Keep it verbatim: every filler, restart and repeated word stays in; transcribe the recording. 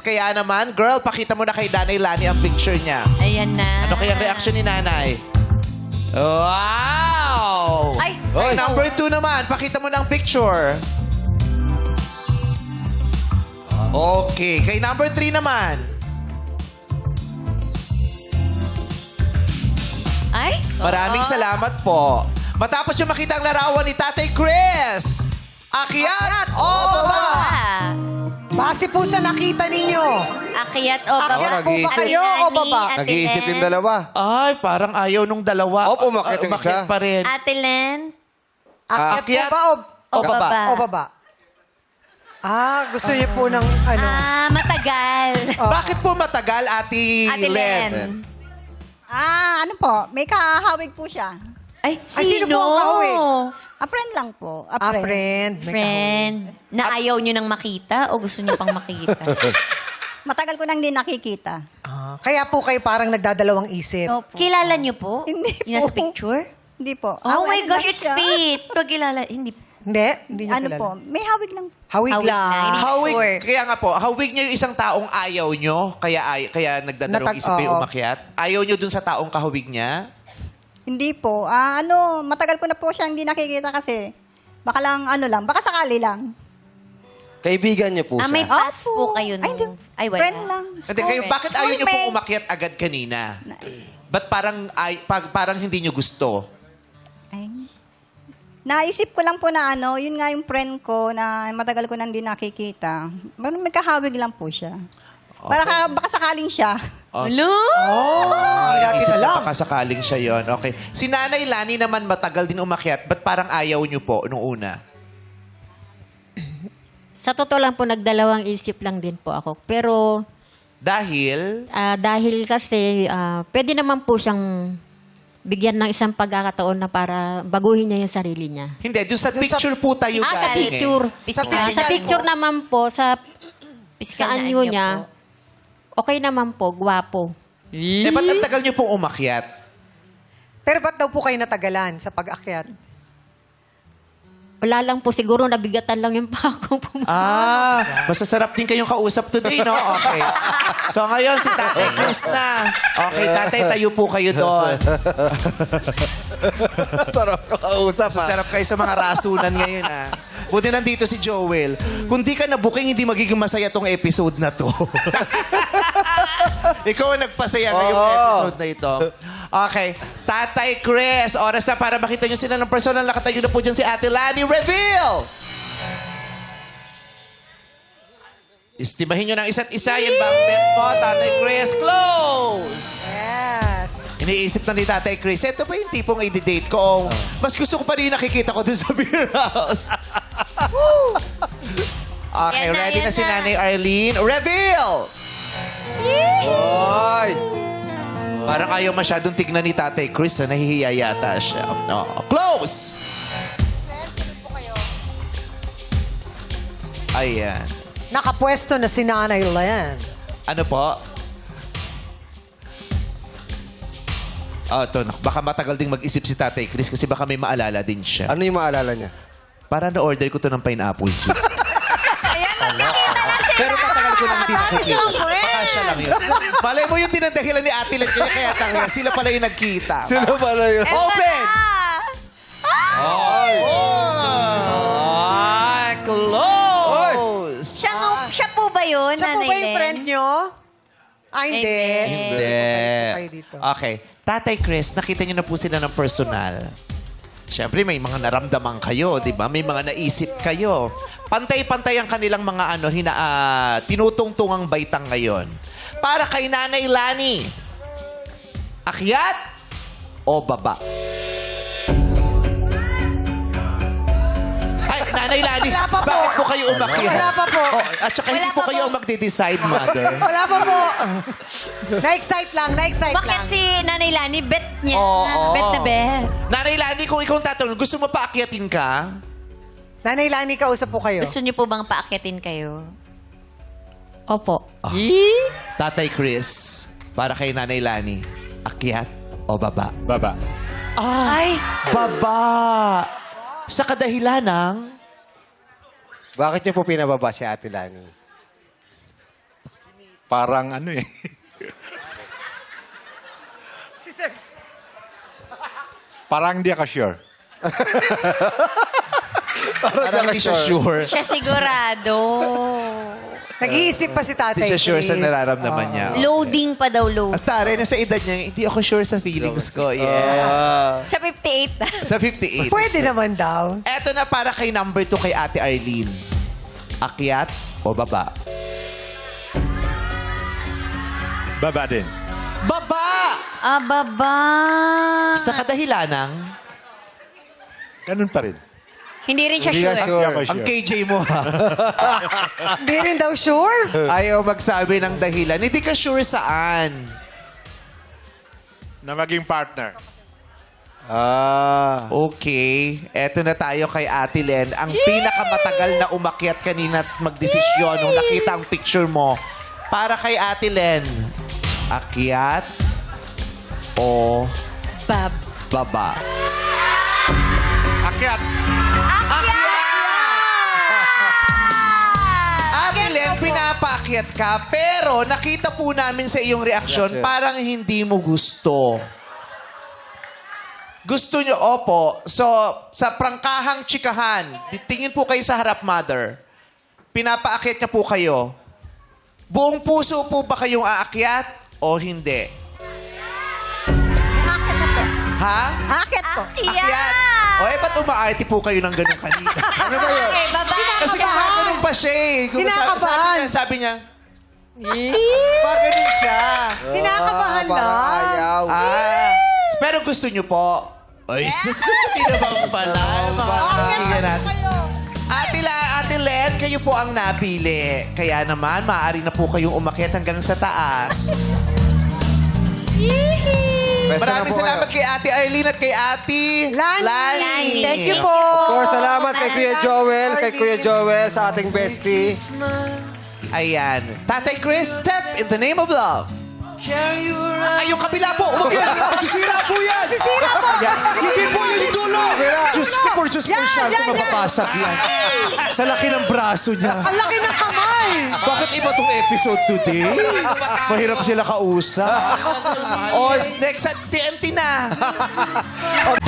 Kaya naman, girl, pakita mo na kay Nanay Lani ang picture niya. Ayan na. Ano kayang reaction ni Nanay? Wow! Ay! Oy, number two naman, pakita mo na ang picture. Okay, kay number three naman. Ay! Maraming Oo. salamat po. Matapos yung makita ang larawan ni Tatay Chris, akyat o baba? Ah, Base po sa nakita ninyo. Akyat o baba? Akyat po ba nag-iisip. kayo o baba? Ate Nag-iisip Len? yung dalawa. Ay, parang ayaw nung dalawa. Opo, umakyat yung Umakyat isa. pa rin. Ate Len? Akyat, Akyat po ba o, o baba? o baba? Ah, gusto niyo po ng ano? Ah, matagal. Bakit po matagal, Ate, Ate Len? Len. Ah, ano po, may kahawig po siya. Ay, Ay, sino po ang kahawig? A friend lang po. A Ah, friend. friend. May Friend. Na ayaw nyo nang makita o gusto nyo pang makita? Matagal ko nang hindi nakikita. Ah, kaya po kayo parang nagdadalawang isip. Opo. Kilala nyo po? Hindi Yung nasa po. picture? Hindi po. Oh Ah, my ano gosh, lang it's siya. fate. Pag kilala, hindi. Hindi? Hindi niyo Ano kilala. po, may hawig lang. Hawig, Hawig lang. lang. Hindi- Hawig, Sure. kaya nga po, hawig niyo yung isang taong ayaw nyo, kaya, ay, kaya nagdadalawang Natag- isip kayo oo. umakyat. Ayaw nyo dun sa taong kahawig niya? Hindi po. Ah, ano, matagal ko na po siya hindi nakikita kasi baka lang, ano lang, baka sakali lang. Kaibigan niyo po Ah, may siya. pass po Opo. kayo Ay, hindi. nung... Ay, wala. Friend lang. Hindi, kayo, School- bakit ayaw nyo pong schoolmate. umakyat agad kanina? Ba't parang, ay, pag, parang hindi nyo gusto? Ay. Naisip ko lang po na ano, yun nga yung friend ko na matagal ko nang hindi nakikita. Parang may kahawig lang po siya. Para ka, baka sakaling siya. Oh, Hello? Oh, hindi natin isip alam. ko baka sakaling siya yon. Okay. Si Nanay Lani naman matagal din umakyat. Ba't parang ayaw nyo po nung una? Sa totoo lang po, nagdalawang isip lang din po ako. Pero Dahil, ah, dahil kasi ah, pwede naman po siyang bigyan ng isang pagkakataon na para baguhin niya yung sarili niya. hindi, dun sa Dun sa- picture po tayo Ah, sa galing eh. picture. Physical. Ah, sa picture naman po, sa, Physical sa na anyo anyo niya, okay naman po, gwapo. Eh, ba't ang tagal nyo pong umakyat? Pero ba't daw po kayo natagalan sa pag-akyat? Wala lang po, siguro nabigatan lang yung pakong pumunta. Ah, masasarap din kayong kausap today, no? Okay. So ngayon, si Tatay Chris na. Okay, Tatay, tayo po kayo doon. Sarap na kausap, ha? Masasarap kayo sa mga rasunan ngayon, ah. Buti nandito si Joel. Kung di ka na-booking, hindi magiging masaya tong episode na to. Ikaw ang nagpasaya ngayong Oo. episode na ito. Okay. Tatay Chris, oras na para makita nyo sila ng personal. Nakatayo na po dyan si Ate Lani. Reveal! Istimahin nyo ng isa't isa. Yan ba ang bet mo, Tatay Chris? Close! Yes. Iniisip na ni Tatay Chris, ito ba yung tipong i-date ko? O mas gusto ko pa rin yung nakikita ko dun sa beer house. Okay, Yan na, ready na yan si na. Nanay Arlene. Reveal! Oy! Parang ayaw masyadong tignan ni Tatay Chris. Na nahihiya yata siya. No. Close! Ayan. Nakapwesto na si Nanay Len. Ano po? Oh, ito. Baka matagal ding mag-isip si Tatay Chris kasi baka may maalala din siya. Ano yung maalala niya? Para na-order ko to ng pineapple juice. Ayan, magkikita na sila. Pero matagal ko nang hindi nakikita. silang friends. Baka siya lang yun. Malay mo yung dinadahilan ni Ate Len kaya kaya tanga. Sila pala yung nagkita. Sino pala yun? Open! Ah! Ah, close! Siya, siya po ba yun, Siya po Nanay ba yung Len? friend nyo? Ah, hindi. Hindi. Hindi. Kayo dito. Okay. Tatay Chris, nakita niyo na po sila ng personal. Siyempre, may mga naramdaman kayo, di ba? May mga naisip kayo. Pantay-pantay ang kanilang mga ano, hina, ah, tinutungtungang baitang ngayon. Para kay Nanay Lani, akyat o baba? Ay, Nanay Lani, Wala pa po. bakit po kayo umakyat? Wala pa po. Oh, at saka hindi Wala po pa kayo po. ang magde-decide, mother. Wala pa po. Na-excite lang, na-excite Bakit lang. si Nanay Lani, bet niya. Oo. Bet na bet. Nanay Lani, kung ikaw ang tatanong, gusto mo pa akyatin ka? Nanay Lani, kausap po kayo. Gusto niyo po bang paakyatin kayo? Opo. Tatay Chris, para kay Nanay Lani, akyat o baba? Baba. Ah, Ay, baba! Sa kadahilan ng... Bakit niyo po pinababa si Ate Lani? Parang ano eh. Si Sir. Parang hindi ako sure. Parang hindi siya sure. Siya sigurado. Nag-iisip pa si Tatay Hindi siya sure sa Chris. nararamdaman niya. Loading pa daw, load. At tare, nasa edad niya, hindi ako sure sa feelings ko. Yeah. Ah. Sa fifty-eight na. Sa fifty-eight. Pwede naman daw. Eto na para kay number two kay Ate Arlene. Akyat o baba? Baba din. Baba! Ah, baba. Sa kadahilanang, Ganun pa rin. Hindi rin siya Hindi sure. ka Hindi sure. ako ang sure. K J mo ha. Hindi rin daw sure. Ayaw magsabi ng dahilan. Hindi ka sure saan. Na maging partner. Ah. Okay. Eto na tayo kay Ate Len. Ang pinakamatagal na umakyat kanina at magdesisyon nung nakita ang picture mo. Para kay Ate Len, akyat o Bab. baba? Akyat. Ate Len, pinapaakyat ka, pero nakita po namin sa iyong reaksyon, Reaction. parang hindi mo gusto. Gusto nyo, opo. So, sa prangkahang chikahan, di- tingin po kayo sa harap, mother. Pinapaakyat niya po kayo. Buong puso po ba kayong aakyat o hindi? Akit na po. Ha? Akit po. Akyat. O eh, ba't umaarte po kayo ng ganun kanina? Ano ba yun? Okay, baba. Kasi gumagano'n pa siya eh. Gum- Kinakabahan. Sabi niya, sabi niya, Paganin siya. Kinakabahan Ah, parang lang. ayaw. Ah, pero gusto niyo po. Ay, sus, gusto niyo naman pala. Pakinggan natin. Ate, La, Ate Len, kayo po ang napili. Kaya naman, maaari na po kayong umakyat hanggang sa taas. Best na Maraming po salamat kayo. kay Ate Arlene at kay Ate Lani. Lani. Thank you po. Of course, salamat kay Kuya Joel, kay Kuya Joel sa ating bestie. Ayan. Tatay Chris, step in the name of love. Ay, yung kabila po. Umakyat. Masisira po yan. Sisira po. Yan. Hindi po yun yung dulo. Diyos ko po, Diyos ko, Yan, siya yan, kung mababasag yan. Sa laki ng braso niya. Ang laki ng kamay. Bakit iba tong episode today? Mahirap sila kausap. O, next at T N T na.